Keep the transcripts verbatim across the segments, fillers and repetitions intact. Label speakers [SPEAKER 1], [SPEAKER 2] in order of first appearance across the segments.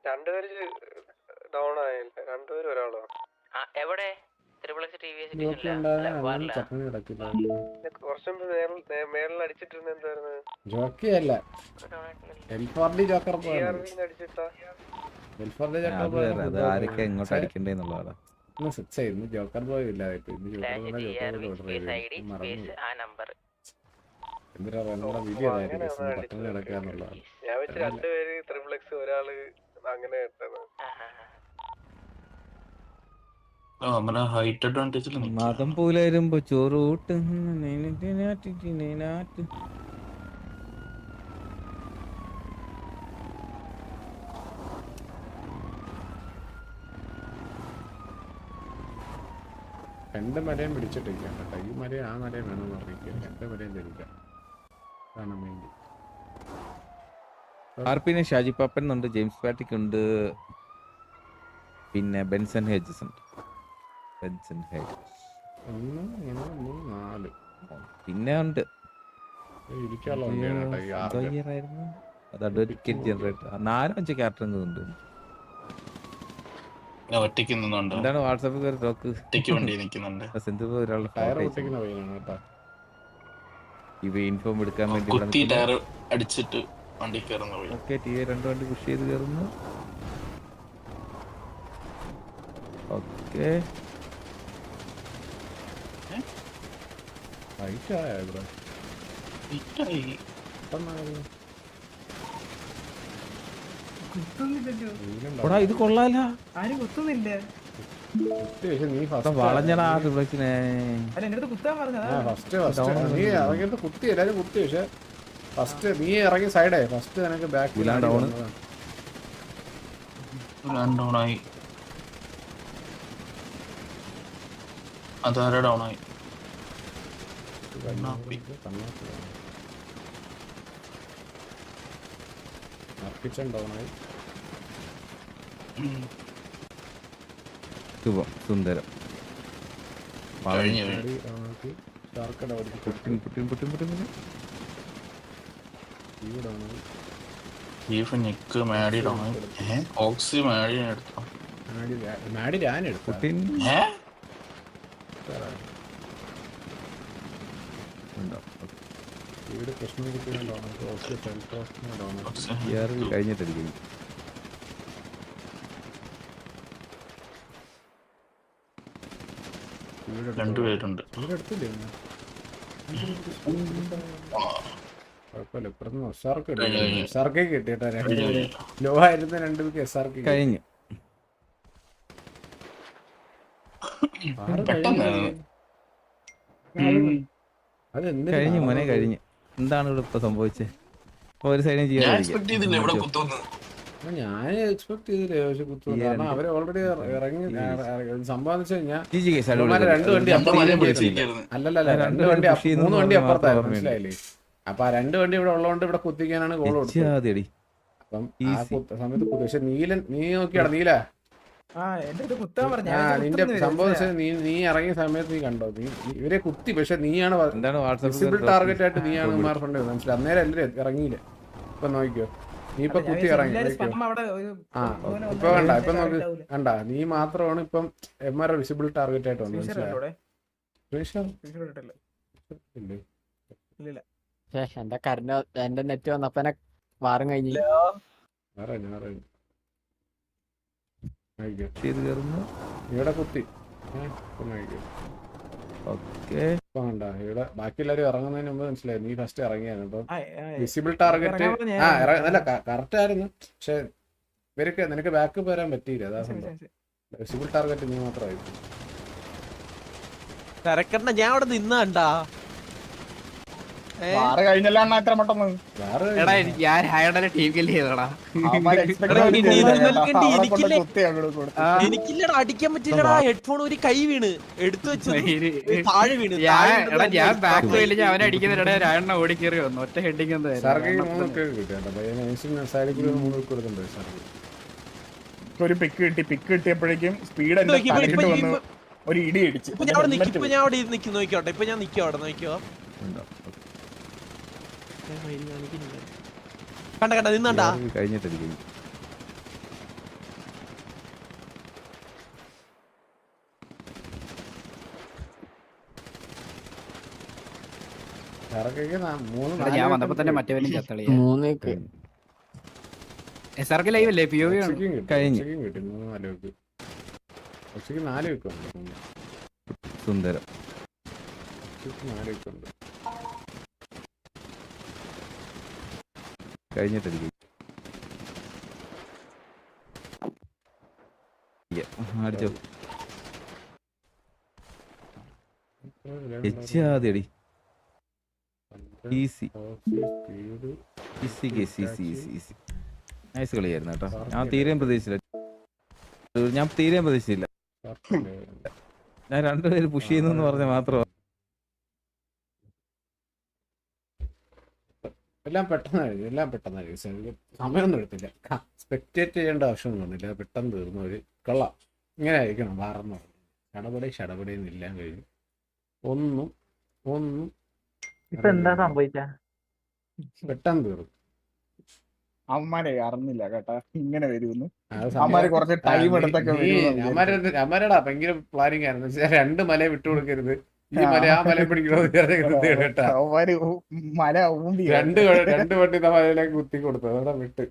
[SPEAKER 1] രണ്ടുപേര് ഡൗൺ ആയില്ല, രണ്ടുപേരും ഒരാളോ
[SPEAKER 2] എവിടെ
[SPEAKER 1] കുറച്ചും മേളിൽ അടിച്ചിട്ടിരുന്ന എന്തായിരുന്നു
[SPEAKER 3] ജോക്കിയല്ല എൽഫോർഡി ജോക്കർ
[SPEAKER 1] അടിച്ചിട്ടാ
[SPEAKER 4] ആരൊക്കെ എങ്ങോട്ട് അടിക്കണ്ടേന്നുള്ളതാണ്.
[SPEAKER 3] ജോക്കർ ബോയ് ഇല്ലാതെ എന്തിനാ നമ്മുടെ വിധി അതായിരിക്കും പട്ടണം കിടക്കാന്നുള്ളതാണ്.
[SPEAKER 1] ഞാൻ വെച്ച് രണ്ടുപേര് ത്രിപ്ലക്സ് ഒരാള് അങ്ങനെ
[SPEAKER 4] മതം പോലായിരുമ്പോ ചോറൂട്ട്
[SPEAKER 3] രണ്ട് മരയും പിടിച്ചിട്ടിരിക്കാം കേട്ടോ. ഈ മരയും ആ മരയും വേണമെന്ന് അറിയിക്കുക. രണ്ട് മരയും ധരിക്കാം. അതാണ് മെയിൻ.
[SPEAKER 4] ആർപിനെ ഷാജി പാപ്പൻ ഉണ്ട്, ജെയിംസ് പാറ്റിക് ഉണ്ട്, പിന്നെ ബെൻസൺ ഹേജസ് ഉണ്ട്. ബെൻസൺ ഹേജസ്
[SPEAKER 3] ഒന്ന് മൂന്ന് മൂന്ന് നാല്
[SPEAKER 4] പിന്നെ ഉണ്ട്. അത് അഡ്വക്കേറ്റ് ജനറേറ്റർ നാലോ അഞ്ചോ ക്യാരക്ടർ ഉണ്ട്. എന്താണ് വാട്സാപ്പിൽ ഒരു ടോക്ക് ഇവ ഇൻഫോം എടുക്കാൻ വേണ്ടി ഓക്കെ ടി വി രണ്ട് വണ്ടി പുഷ് ചെയ്ത് കയറുന്നു. ഓക്കെ ഇത് കൊള്ളാല
[SPEAKER 5] ആരും കുത്തുന്നില്ല.
[SPEAKER 4] വളഞ്ഞടാ റിഫ്ലക്സിനെ
[SPEAKER 3] നീ ഇറങ്ങിയിട്ട് കുത്തി എല്ലാരും കുത്തി. പക്ഷെ ഫസ്റ്റ് നീ ഇറങ്ങി സൈഡേ ഫസ്റ്റ് നിനക്ക് ബാക്ക്
[SPEAKER 4] ഡൗൺ
[SPEAKER 6] ഡൗണായി. അതാര ഡൗണായി.
[SPEAKER 3] കിച്ചൺ ഡൗണായി.
[SPEAKER 4] ശുഭം സുന്ദരം കഴിഞ്ഞിട്ടിരിക്കും.
[SPEAKER 6] രണ്ടുപേരുണ്ട്.
[SPEAKER 3] കുഴപ്പമില്ല. ഇപ്പുറത്ത് എസ് ആർക്ക് എസ് ആർക്ക് കിട്ടിയിട്ടാ രണ്ടുപേര് ലോ ആയിരുന്ന രണ്ടുപേർക്ക് എസ് ആർക്ക്
[SPEAKER 4] കഴിഞ്ഞു. കഴിഞ്ഞു മോനെ കഴിഞ്ഞു. എന്താണ് ഇവിടെ ഇപ്പൊ സംഭവിച്ചത്? ഒരു സൈഡിൽ ചെയ്യാൻ
[SPEAKER 3] ഞാൻ എക്സ്പെക്ട് ചെയ്തില്ലേ പക്ഷെ കുത്തുന്നു. കാരണം അവര് ഓൾറെഡി ഇറങ്ങി സംഭവം വെച്ച് കഴിഞ്ഞാൽ രണ്ട് വണ്ടി അല്ലല്ല രണ്ട് വണ്ടി മൂന്ന് വണ്ടി അപ്പുറത്തായിരുന്നു. മനസ്സിലായില്ലേ? അപ്പൊ ആ രണ്ട് വണ്ടി ഇവിടെ ഉള്ളതുകൊണ്ട് ഇവിടെ കുത്തിക്കാനാണ് ഗോൾ കൊടുത്തത്. അപ്പം ആ സമയത്ത് പക്ഷെ നീലൻ നീ നോക്കിയാടാ നീല നിന്റെ സംഭവം നീ നീ ഇറങ്ങിയ സമയത്ത് നീ കണ്ടോ? നീ ഇവരെ കുത്തി പക്ഷെ നീയാണ് വിസിബിൾ ടാർഗറ്റ് ആയിട്ട് നീയാണ് മാർഫണ്ടത്. മനസ്സിലായി? അന്നേരം എല്ലാവരും ഇറങ്ങിയില്ല. ഇപ്പൊ നോക്കിയോ നീ ഇപ്പൊ കുത്തി ഇറങ്ങി. ആ ഇപ്പൊ കണ്ട ഇപ്പൊ നോക്ക് കണ്ട നീ മാത്രമാണ് ഇപ്പം എം ആർ വിസിബിൾ ടാർഗറ്റ് ആയിട്ട് വന്നത്.
[SPEAKER 5] എന്റെ കരണ്ട് എന്റെ നെറ്റ് വന്നപ്പോ വാറും കഴിഞ്ഞില്ല.
[SPEAKER 3] ഇവിടെ കുത്തി ഇവിടെ ബാക്കി എല്ലാരും ഇറങ്ങുന്നതിന് മുമ്പ് മനസ്സിലായി നീ ഫസ്റ്റ് ഇറങ്ങിയായിരുന്നു. ഇപ്പം വിസിബിൾ ടാർഗറ്റ് ആ അല്ല കറക്റ്റ് ആയിരുന്നു. പക്ഷെ ഇവർക്ക് നിനക്ക് ബാക്ക് വരാൻ പറ്റിയില്ല. അതാ സംഭവം. വിസിബിൾ ടാർഗറ്റ് നീ മാത്രമായിരുന്നു.
[SPEAKER 7] ഞാൻ അവിടെ നിന്നാണ്ടാ എനിക്കില്ലടാ അടിക്കാൻ പറ്റില്ലടാ. ഹെഡ്ഫോൺ ഒരു കൈ വീണ് എടുത്തു വെച്ചു താഴെ വീണ്.
[SPEAKER 5] ഞാൻ ബാക്ക് അവനെ അടിക്കുന്നിടെ രായണ്ണ ഓടിക്കേറി വന്നു ഒറ്റ ഹെഡിങ്.
[SPEAKER 8] ഒരു പിക്ക് കിട്ടി. പിക്ക് കിട്ടിയപ്പോഴേക്കും സ്പീഡ് ഒരു ഇടി അടിച്ചു.
[SPEAKER 7] ഞാൻ അവിടെ നിൽക്കും. ഞാൻ അവിടെ നിൽക്കും. നോക്കിയോട്ടെ ഇപ്പൊ ഞാൻ നിൽക്കും അവിടെ. നോക്കിയോ കണ്ട കണ്ട നിന്നണ്ടാ.
[SPEAKER 4] കഴിഞ്ഞിട്ടിരിക്കും.
[SPEAKER 3] ഇറക്കൊക്കെ നാ- മൂന്ന്
[SPEAKER 5] എടാ,
[SPEAKER 3] നാല്
[SPEAKER 5] ഞാൻ
[SPEAKER 3] വട്ടം
[SPEAKER 5] വന്നപ്പോ തന്നെ
[SPEAKER 3] പോയി.
[SPEAKER 5] മറ്റവനും ചത്തളിയ
[SPEAKER 7] മൂന്നേക്ക്
[SPEAKER 5] എസ് ആർ കെ ലൈവ് അല്ലേ പി ഒ വി ആണ്
[SPEAKER 3] ഉച്ചയ്ക്കും കിട്ടി,
[SPEAKER 4] കഴിഞ്ഞു.
[SPEAKER 3] ഉച്ചയ്ക്കും കിട്ടി മൂന്ന് നാല് വെക്ക്. ഉച്ചയ്ക്ക് നാല് വെക്കുണ്ട് മൂന്ന്.
[SPEAKER 4] സുന്ദരം.
[SPEAKER 3] ഉച്ചയ്ക്ക് നാല് വെക്കുണ്ട്.
[SPEAKER 4] കഴിഞ്ഞിട്ടടിക്കും. അടിച്ചോ. എച്ചാതി easy
[SPEAKER 3] speed
[SPEAKER 4] easy case easy easy easy. Nice കളിയായിരുന്നു കേട്ടോ. ഞാൻ തീരെയും പ്രതീക്ഷിച്ചില്ല. ഞാൻ തീരെയും പ്രതീക്ഷിച്ചില്ല. ഞാൻ രണ്ടുപേര് പുഷ് ചെയ്യുന്നു പറഞ്ഞ മാത്രം.
[SPEAKER 3] എല്ലാം പെട്ടെന്നായിരുന്നു, എല്ലാം പെട്ടെന്നായിരുന്നു. സമയമൊന്നും എടുത്തില്ല. സ്പെക്ടേറ്റ് ചെയ്യേണ്ട ആവശ്യമൊന്നും വന്നില്ല. പെട്ടെന്ന് തീർന്നു. ഒരു കൊള്ളാം. ഇങ്ങനെ ആയിരിക്കണം വാറെന്ന് പറഞ്ഞു. ഷടപടി ഷടപടിയെന്ന് എല്ലാം കഴിഞ്ഞു. ഒന്നും ഒന്നും
[SPEAKER 2] ഇപ്പൊ എന്താ സംഭവിച്ച?
[SPEAKER 3] പെട്ടെന്ന് തീർന്നു.
[SPEAKER 8] അവന്മാരെ അറിഞ്ഞില്ല കേട്ടാ ഇങ്ങനെ വരുമെന്ന്.
[SPEAKER 3] അത്
[SPEAKER 8] അവന്മാര്
[SPEAKER 3] സമയം-
[SPEAKER 8] കുറച്ച് ടൈം എടുത്തൊക്കെ വരുമെന്ന്
[SPEAKER 3] അമ്മാരെ അമ്മാരടാ ഭയങ്കര പ്ലാനിങ് ആയിരുന്നു. പക്ഷേ രണ്ട് മല വിട്ടുകൊടുക്കരുത്, ഈ മല ആ മല പിടിക്കണമെന്ന് കേട്ടാ.
[SPEAKER 8] അവന്മാര് മല ഊമ്പി
[SPEAKER 3] രണ്ട് വ- രണ്ട് വണ്ടി മലയിലേക്ക് കുത്തി കൊടുത്തു. അതോടെ വിട്ട്.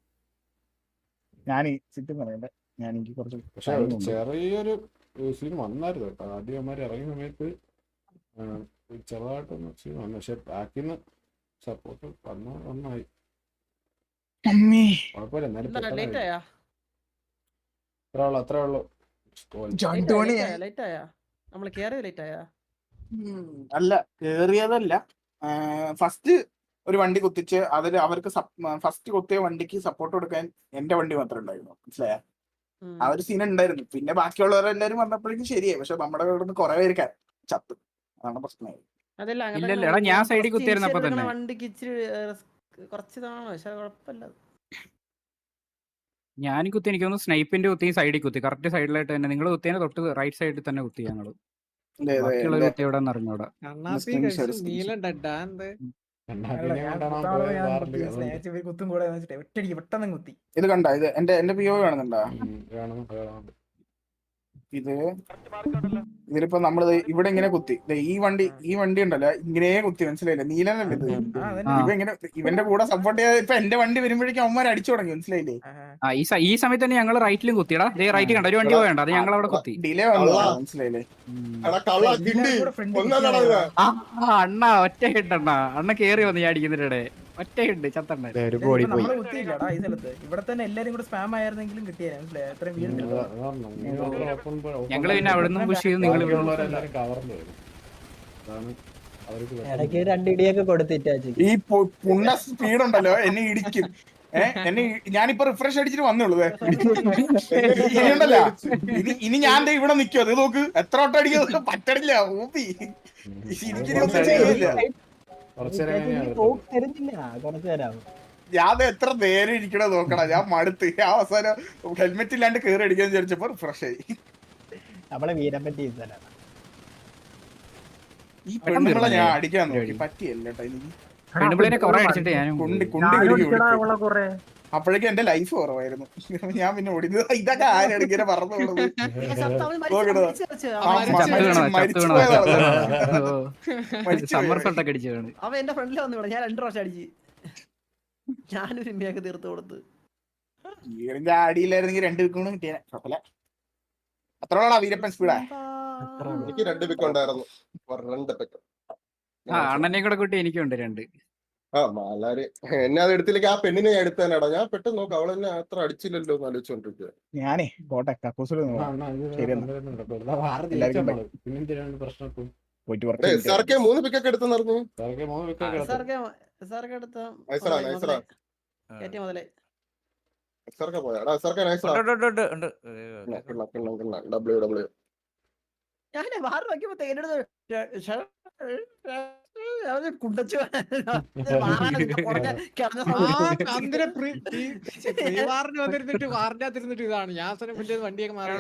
[SPEAKER 8] ഞാൻ ചുറ്റും പറയണ്ടേ, ഞാൻ എനിക്ക് കുറച്ച്
[SPEAKER 3] പക്ഷെ
[SPEAKER 8] time
[SPEAKER 3] ഒരു
[SPEAKER 8] ഉണ്ട്.
[SPEAKER 3] ചെറിയൊരു സീൻ വന്നായിരുന്നു കേട്ടോ. ആദ്യം അമ്മമാർ ഇറങ്ങിയ സമയത്ത് ആ, ഒരു ചെറുതായിട്ടൊന്ന് സീൻ വന്നു. പക്ഷെ ബാക്കിന്ന് സപ്പോർട്ട് വന്ന നന്നായി.
[SPEAKER 8] അമ്മേ,
[SPEAKER 3] കുഴപ്പമില്ല. എന്നാലും
[SPEAKER 2] ലേറ്റ്
[SPEAKER 3] പെട്ടെന്ന്
[SPEAKER 2] ആയാ
[SPEAKER 3] അത്രേ ഉള്ളു അത്രേ ഉള്ളു.
[SPEAKER 8] രണ്ട് മണിയാ.
[SPEAKER 2] ലേറ്റ് ആയാ നമ്മള് കേറിയ ലേറ്റ് ആയാ
[SPEAKER 8] ഉം, അല്ല കേറിയതല്ല. ഫസ്റ്റ് ഒരു വണ്ടി കുത്തിച്ച് അതിൽ അവർക്ക് ഫസ്റ്റ് കുത്തിയ വണ്ടിക്ക് സപ്പോർട്ട് കൊടുക്കാൻ എന്റെ വണ്ടി മാത്രമേ ഉണ്ടായിരുന്നു. മനസ്സിലായ? ആ ഒരു സീൻ ഉണ്ടായിരുന്നു. പിന്നെ ബാക്കിയുള്ളവരെല്ലാരും വന്നപ്പോഴേക്കും ശരിയായി. പക്ഷെ നമ്മുടെ ഇവിടെ നിന്ന് കുറെ പേര് ക- ചത്തു. അതാണ് പ്രശ്നമായി.
[SPEAKER 2] അതല്ല
[SPEAKER 5] ഇല്ലല്ല, എടാ, ഞാൻ സൈഡിൽ കുത്തിയിരുന്നപ്പോ തന്നെ.
[SPEAKER 2] വണ്ടിക്ക് ഇച്ചിരി കുറച്ച് ഇതാണ്, പക്ഷെ കുഴപ്പമില്ല.
[SPEAKER 5] ഞാൻ കുത്തി എനിക്ക് തോന്നുന്നു സ്നൈപ്പിന്റെ കുത്തി സൈഡിൽ കുത്തി കറക്റ്റ് സൈഡിലായിട്ട് തന്നെ. നിങ്ങൾ കുത്തിയതിന് തൊട്ട് റൈറ്റ് സൈഡിൽ തന്നെ കുത്തി ഞങ്ങള്.
[SPEAKER 8] അതെ, അതെ,
[SPEAKER 5] ബാക്കിയുള്ളവർ
[SPEAKER 8] എന്റെ
[SPEAKER 5] കുത്തി എവിടെ നിന്ന് അറിഞ്ഞൂടാ.
[SPEAKER 8] screenshot, screenshot.
[SPEAKER 2] കുത്തും കൂടെ ഒറ്റടിക്ക് പെട്ടെന്ന് കുത്തി.
[SPEAKER 8] ഇത് കണ്ട, ഇത് എന്റെ എന്റെ പി ഒ കാണുന്നുണ്ടാ?
[SPEAKER 3] കാണുന്നു കാണുന്നുണ്ട്.
[SPEAKER 8] ഇത് ഇതിലിപ്പോ നമ്മള് ഇവിടെ ഇങ്ങനെ കുത്തി. ദേ ഈ വണ്ടി ഈ വണ്ടി ഉണ്ടല്ലോ ഇങ്ങനെ കുത്തി. മനസ്സിലായില്ലേ? നീലനല്ലേ ഇത്? ഇവ ഇങ്ങനെ ഇവന്റെ കൂടെ സപ്പോർട്ട് ചെയ്യാതെ ഇപ്പൊ എന്റെ വണ്ടി വരുമ്പോഴേക്കും അവന്മാർ അടിച്ചു തുടങ്ങി. മനസ്സിലായില്ലേ?
[SPEAKER 5] ആ ഈ സ- ഈ സമയത്ത് തന്നെ ഞങ്ങൾ റൈറ്റിലും കുത്തിയടാ. ദേ റൈറ്റ് കണ്ട ഒരു വണ്ടി പോയണ്ട, അത് ഞങ്ങൾ അവിടെ കുത്തി.
[SPEAKER 8] ഡിലേ വന്നു. മനസ്സിലായില്ലേ?
[SPEAKER 5] ആ ആ, അണ്ണ ഒറ്റ ഹിട്ട് അണ്ണ അണ്ണ കേറി വന്ന് ഞാൻ അടിക്കുന്നതിടെ ഒറ്റ ഹിട്ട് ചത്തണ്ണ.
[SPEAKER 2] നമ്മള് കുത്തിയില്ലടാ ഈ സ്ഥലത്ത്. ഇവിടെ തന്നെ എല്ലാരും കൂടെ സ്പാം ആയിരുന്നെങ്കിലും കിട്ടിയാ. മനസ്സിലായി? അത്രയും വീഴുന്നില്ല.
[SPEAKER 5] ഞങ്ങള് പിന്നെ അവിടെ നിന്ന് പുഷ് ചെയ്ത് നിങ്ങൾ
[SPEAKER 3] ഉള്ളവരെല്ലാരും കവർന്നു വരും. അതാണ് അവർക്ക്
[SPEAKER 2] ഇടയ്ക്ക് രണ്ടിടിയൊക്കെ കൊടുത്തിട്ടാ.
[SPEAKER 8] ഈ പു- പുണ്ണ സ്പീഡ് ഉണ്ടല്ലോ എന്നെ ഇടിക്കും. ഏഹ് എന്നെ ഇ- ഞാനിപ്പോ റിഫ്രഷ് അടിച്ചിട്ട് വന്നുള്ളൂ. ഇനിയുണ്ടല്ലോ ഇനി ഇനി ഞാൻ ദേ ഇവിടെ നിൽക്കും. അത് നോക്ക് എത്ര വട്ടം അടിക്കുന്നത് പറ്റണില്ല. ഊപ്പി എനിക്കിനി ഒന്നും ചെയ്യില്ല.
[SPEAKER 3] കുറച്ചു നേരം കഴിഞ്ഞാൽ
[SPEAKER 2] തരുന്നില്ല കുറച്ചു തരാം.
[SPEAKER 8] ഞാൻ ദേ എത്ര നേരം ഇരിക്കണ നോക്കണ. ഞാൻ മടുത്ത് ഞാൻ അവസാനം ഹെൽമെറ്റ് ഇല്ലാണ്ട് കേറി അടിക്കാന്ന് വിചാരിച്ചപ്പോ റിഫ്രഷ് ആയി.
[SPEAKER 2] നമ്മളെ വീരപ്പറ്റി
[SPEAKER 8] ഈ പെണ്ണുങ്ങളെ ഞാൻ അടിക്കാൻ നോക്കി പറ്റിയല്ല കേട്ടോ എനിക്ക്.
[SPEAKER 5] പെണ്ണുപിള്ളിനെ കുറെ അടിച്ചിട്ട് ഞാനും
[SPEAKER 8] കുണ്ടി കുണ്ടി അപ്പോഴേക്കും എന്റെ ലൈഫ് കുറവായിരുന്നു. ഞാൻ പിന്നെ ഓടിയത് ഇതൊക്കെ ആരാണ് ഇങ്ങനെ പറഞ്ഞു
[SPEAKER 5] സമ്മർ സോൾട്ടൊക്കെ അടിച്ചു കാണും.
[SPEAKER 2] അവൻ എന്റെ ഫ്രണ്ടിൽ വന്നു ഇവിടെ. ഞാൻ രണ്ടു പ്രാവശ്യം അടിച്ച് ഞാനൊരു ഇമ്മയൊക്കെ തീർത്ത് കൊടുത്ത്.
[SPEAKER 8] വീടിന്റെ അടിയിലായിരുന്നെങ്കിൽ രണ്ട് വിക്കോണ് കിട്ടിയ കുഴപ്പമില്ല. അത്രോളാ വീരപ്പൻ സ്പീഡാ.
[SPEAKER 1] എനിക്ക് രണ്ട് പിക്ക് ഉണ്ടായിരുന്നു. രണ്ട് പിക്ക്.
[SPEAKER 5] ആ അണ്ണനെ കൂടെ കൂട്ടി എനിക്കുണ്ട് രണ്ട്.
[SPEAKER 1] ആ മാലാര് എന്നെ അത് എടുത്തില്ലെങ്കിൽ ആ പെണ്ണിനെ ഞാൻ എടുത്തേനാടാ. ഞാൻ പെട്ടെന്ന് നോക്കാം അവളെന്നെ അത്ര അടിച്ചില്ലല്ലോ എന്ന് ആലോചിച്ചോണ്ടിരിക്കുക.
[SPEAKER 8] ഞാനേ പോട്ടെ കക്കൂസിൽ
[SPEAKER 3] പ്രശ്നം
[SPEAKER 8] പോയിട്ട്
[SPEAKER 1] എസ് ആർ കെ മൂന്ന് പിക്കൊക്കെ എടുത്തെന്ന് പറഞ്ഞു.
[SPEAKER 3] മൂന്ന് wicket
[SPEAKER 2] സാർക്ക് സാർക്ക് എടുത്ത
[SPEAKER 1] നൈസറാ നൈസറാ
[SPEAKER 2] കയറ്റി മുതലേ
[SPEAKER 1] എസ് ആർ കെ പോയാ എടാ. എസ് ആർ കെ നൈസറാ. ഡബ്ല്യു ഡബ്ല്യു
[SPEAKER 2] ഞാൻ വാറ് വയ്ക്കുമ്പോ തേനെടുത്ത് കുണ്ടച്ചു
[SPEAKER 9] വന്നിരുന്നിട്ട് വാറിനകത്തിരുന്നിട്ട് ഇതാണ് യാസനം വലിയ വണ്ടിയൊക്കെ മാറി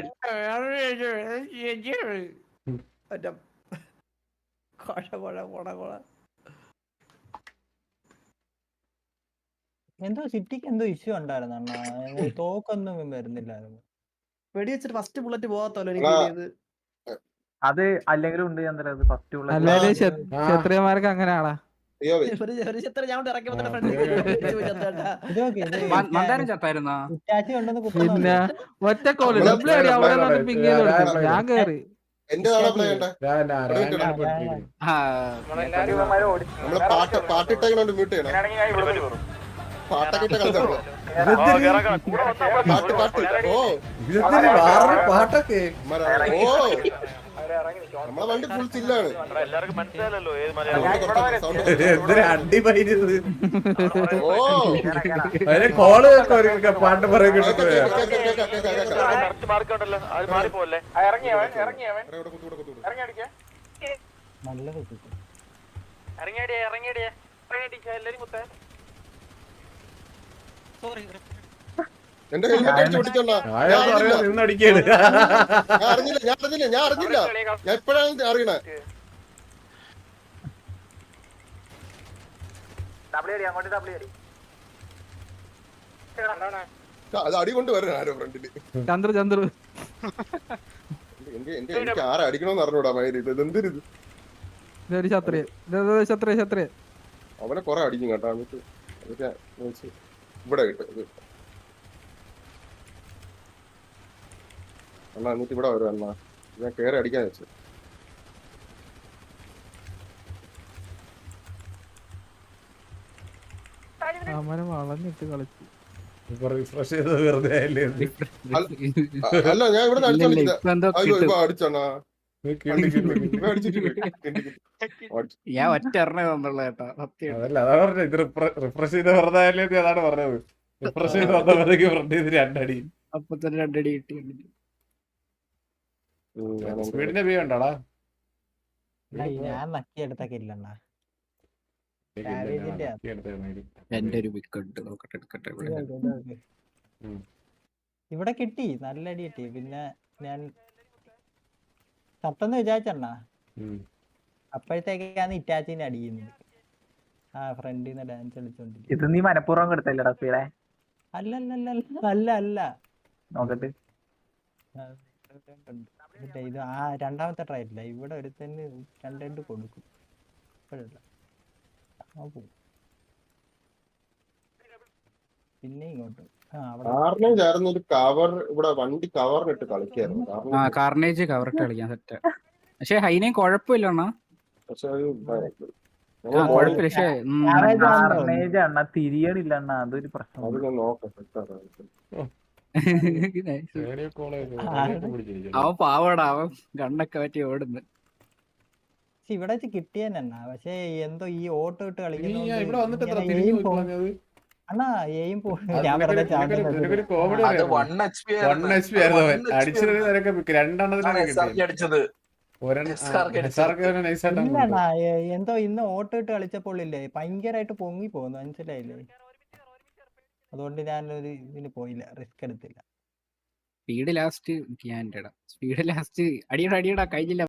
[SPEAKER 2] എന്തോ സിറ്റിക്ക് എന്തോ ഇഷ്യൂ ഉണ്ടായിരുന്നു. തോക്കൊന്നും വരുന്നില്ലായിരുന്നു. വെടി വെച്ചിട്ട് ഫസ്റ്റ് ബുള്ളറ്റ് പോകാത്തല്ലോ എനിക്ക്.
[SPEAKER 10] അത് അല്ലെങ്കിലും ഉണ്ട് ചന്ദ്ര അത് ഫസ്റ്റ് ഉള്ള
[SPEAKER 4] അല്ലാതെ
[SPEAKER 1] ആ.
[SPEAKER 4] ക്ഷത്രിയന്മാർക്ക് അങ്ങനെയാണോ?
[SPEAKER 1] അയ്യോ വേ.
[SPEAKER 2] ഒരു ഒരു ചിത്രം ഞാൻ ഇറക്കി വന്നിട്ട് ഫ്രണ്ട്
[SPEAKER 5] മന്ദാരം ചത്തായിരുന്നാ?
[SPEAKER 4] പിന്നെ ഒറ്റ കോള്
[SPEAKER 1] നമ്മള്
[SPEAKER 4] ഡബ്ല്യു അടി അവിടെ നിന്ന് പിങ് ചെയ്ത് കൊടുക്കും. ഞാൻ കേറി
[SPEAKER 1] എന്റെ നാളെ പ്ലേ ചെയ്യണ്ടേ
[SPEAKER 5] ആ,
[SPEAKER 1] നമ്മള് പാട്ട് പാട്ടിട്ടേക്കണോണ്ട് മ്യൂട്ട് ചെയ്യണം പാട്ടൊക്കെ ഇട്ട കളിച്ചാ പാട്ട് പാട്ട് ഓ
[SPEAKER 3] പാട്ടൊക്കെ
[SPEAKER 1] മര- ഓ നമ്മളെ വണ്ടി ഫുൾ ചില്ലാണ്
[SPEAKER 3] എന്തൊരു അടി പൈരുത്
[SPEAKER 1] ഓ
[SPEAKER 3] അതിന് കോള് കേൾക്കാം പാട്ട് പറയാൻ
[SPEAKER 1] കേക്കാം,
[SPEAKER 3] കിട്ടും
[SPEAKER 1] കേക്കാം, കേക്കാം, കേക്കാം, കേക്കാം, കേക്കാം. ഇവിടെ കുത്തു, ഇവിടെ കുത്തു, ഇവിടെ. എന്റെ ഹെൽമെറ്റ് അടിച്ച് പൊട്ടിച്ചോണ്ടാ ഞാൻ അറിഞ്ഞില്ല
[SPEAKER 3] നിന്നടിക്കാണ്
[SPEAKER 1] ഞാൻ അറിഞ്ഞില്ല ഞാൻ അറിഞ്ഞില്ല ഞാൻ അറിഞ്ഞില്ല ഞാൻ എപ്പോഴാണ് അറിയണേ അത് അടി കൊണ്ട് വരണം ആരോ ഫ്രണ്ടില്
[SPEAKER 4] ചന്ദ്ര ചന്ദ്ര
[SPEAKER 1] എന്റെ എന്റെ എനിക്ക് ആരെ അടിക്കണമെന്ന് അറിഞ്ഞൂടാ മയില് ഇത് എന്തിരിത്
[SPEAKER 4] ഇതൊരു ക്ഷത്രിയ ക്ഷത്രിയ ക്ഷത്രിയ
[SPEAKER 1] അവനെ കൊറേ അടിക്കും കേട്ടോ എന്നിട്ട് അതൊക്കെ നോക്കി ഇവിടെ കിട്ടും ഇത് അണ്ണാ എന്നിട്ട് ഇവിടെ വരും അണ്ണാ ഞാൻ കേറി അടിക്കാൻ വെച്ചു
[SPEAKER 4] അവനെ വളഞ്ഞിട്ട് കളിച്ചു.
[SPEAKER 3] റിഫ്രഷ് ചെയ്തത് വെറുതെ ആയില്ലേ ഇത്?
[SPEAKER 1] അ- അല്ല ഞാൻ ഇവിടെ
[SPEAKER 5] ഇല്ല, ഇല്ല,
[SPEAKER 1] അടിച്ചോണ്ടിരിക്കുക
[SPEAKER 5] ഇപ്പൊ എന്തോ
[SPEAKER 1] അയ്യോ
[SPEAKER 5] കിട്ടും.
[SPEAKER 1] ഇപ്പൊ അടിച്ചണ്ണാ
[SPEAKER 3] നീ കിള്ളി കിള്ളി കിള്ളി.
[SPEAKER 1] ഇപ്പൊ അടിച്ചിട്ട് അടിച്ചു.
[SPEAKER 5] ഞാൻ ഒറ്റ എണ്ണ തന്നുള്ള കേട്ടോ സത്യം.
[SPEAKER 3] അതല്ല അതാ പറഞ്ഞത് ഇത് റിഫ്രഷ് ചെയ്ത് വെറുതെ ആയില്ലേ എന്ന് അതാണ് പറഞ്ഞത്. റിഫ്രഷ് ചെയ്ത് വന്നപ്പോഴത്തേക്ക് ഫ്രണ്ട് ചെയ്ത് രണ്ടടി
[SPEAKER 5] അപ്പൊ തന്നെ രണ്ടടി കിട്ടി.
[SPEAKER 1] ഉം, ഞാനെന്താ-
[SPEAKER 3] സ്പീഡിന്റെ പേ ഉണ്ടോടാ
[SPEAKER 10] ഞാൻ നക്കിയെടുത്തൊക്കെ ഇല്ലണ്ണ
[SPEAKER 5] എന്റെ ഒരു വിക്കറ്റ് നോക്കട്ടെ എടുക്കട്ടെ ഇവിടെ.
[SPEAKER 3] ഉം.
[SPEAKER 10] ഇവിടെ കിട്ടി നല്ല അടി കിട്ടി പിന്നെ ഞാൻ സത്തെന്ന് വിചാരിച്ചണ്ണ അപ്പോഴത്തേക്കാണ് ഇറ്റാച്ചിനെ അടിക്കുന്നത് ആ ഫ്രണ്ടിൽ നിന്ന് ഡാൻസ് കളിച്ചോണ്ടിരിക്കും
[SPEAKER 7] ഇത് നീ മനഃപൂർവ്വം കൊടുത്തല്ലടാ സ്പീഡെ
[SPEAKER 10] അല്ലല്ലല്ല അല്ല അല്ല
[SPEAKER 7] നോക്കട്ടെ.
[SPEAKER 10] ഇല്ല, ഇത് ആ രണ്ടാമത്തെ ട്രയലില്ല ഇവിടെ ഒരുത്തന്നെ രണ്ട് രണ്ട് കൊടുക്കും ഇപ്പോഴല്ല ആ പോവും. പിന്നെ ഇങ്ങോട്ട് ആ അവിടെ
[SPEAKER 1] കാറിനെ ചേർന്ന് ഒരു കവർ ഇവിടെ വണ്ടി കവറിനിട്ട് കളിക്കായിരുന്നു
[SPEAKER 5] ആ
[SPEAKER 1] കാരണം
[SPEAKER 5] കാർണേജ് കവറിട്ട് കളിക്കാൻ സെറ്റ്. പക്ഷെ ഹൈനയും കുഴപ്പമില്ല അണ്ണാ.
[SPEAKER 1] പക്ഷെ അത്
[SPEAKER 5] ആ
[SPEAKER 1] നമ്മള്
[SPEAKER 5] കുഴപ്പമില്ല പക്ഷെ ഉം,
[SPEAKER 7] കാർണേജ് അണ്ണ തിരിയണില്ല അണ്ണ അതൊരു പ്രശ്നം.
[SPEAKER 1] അത് ഞാൻ നോക്കാം സെറ്റാണ്
[SPEAKER 5] അവൻ പാവടാ അവൻ കണ്ണൊക്കെ പറ്റി ഓടുന്നു.
[SPEAKER 10] പക്ഷെ ഇവിടെ വെച്ച് കിട്ടിയെന്നാ പക്ഷെ എന്തോ ഈ ഓട്ടോ ഇട്ട്
[SPEAKER 3] നീ ഇവിടെ വന്നിട്ട് എത്ര
[SPEAKER 10] കളിക്കുന്ന
[SPEAKER 3] തിരിഞ്ഞു പോയി പറഞ്ഞത്?
[SPEAKER 10] അണ്ണാ എയും പോ
[SPEAKER 3] അത്
[SPEAKER 10] ഞാൻ
[SPEAKER 3] നിനക്കൊരു-
[SPEAKER 10] വെറുതെ
[SPEAKER 3] നിനക്കൊരു-
[SPEAKER 10] ചാടുന്നത്.
[SPEAKER 3] നിനക്കൊരു comedy
[SPEAKER 11] അത്
[SPEAKER 3] അറിയാമോ?
[SPEAKER 11] One H P
[SPEAKER 3] One H P ആയിരുന്നു അവൻ. അടിച്ചത് നിനക്ക് രണ്ടെണ്ണത്തിനാണ് കിട്ടിയത്.
[SPEAKER 11] അടിച്ചത്
[SPEAKER 3] ഒരെണ്ണം-
[SPEAKER 11] S R K
[SPEAKER 3] ആ, S R K നെ nice ആയിട്ടാണ്
[SPEAKER 10] ഇല്ലണ്ണാ
[SPEAKER 3] കൊടുത്തത്.
[SPEAKER 10] എ- എന്തോ ഇന്ന് ഓട്ടോ ഇട്ട് കളിച്ചപ്പോൾ ഇല്ലേ ഭയങ്കരമായിട്ട് പൊങ്ങി പോകുന്നു മനസ്സിലായില്ലേ അതുകൊണ്ട് ഞാനൊരു ഇതിന് പോയില്ല റിസ്ക് എടുത്തില്ല
[SPEAKER 5] സ്പീഡ് ലാസ്റ്റ് ഞാൻ സ്പീഡ് ലാസ്റ്റ് അടിയടാ അടിയടാ കഴിഞ്ഞില്ല.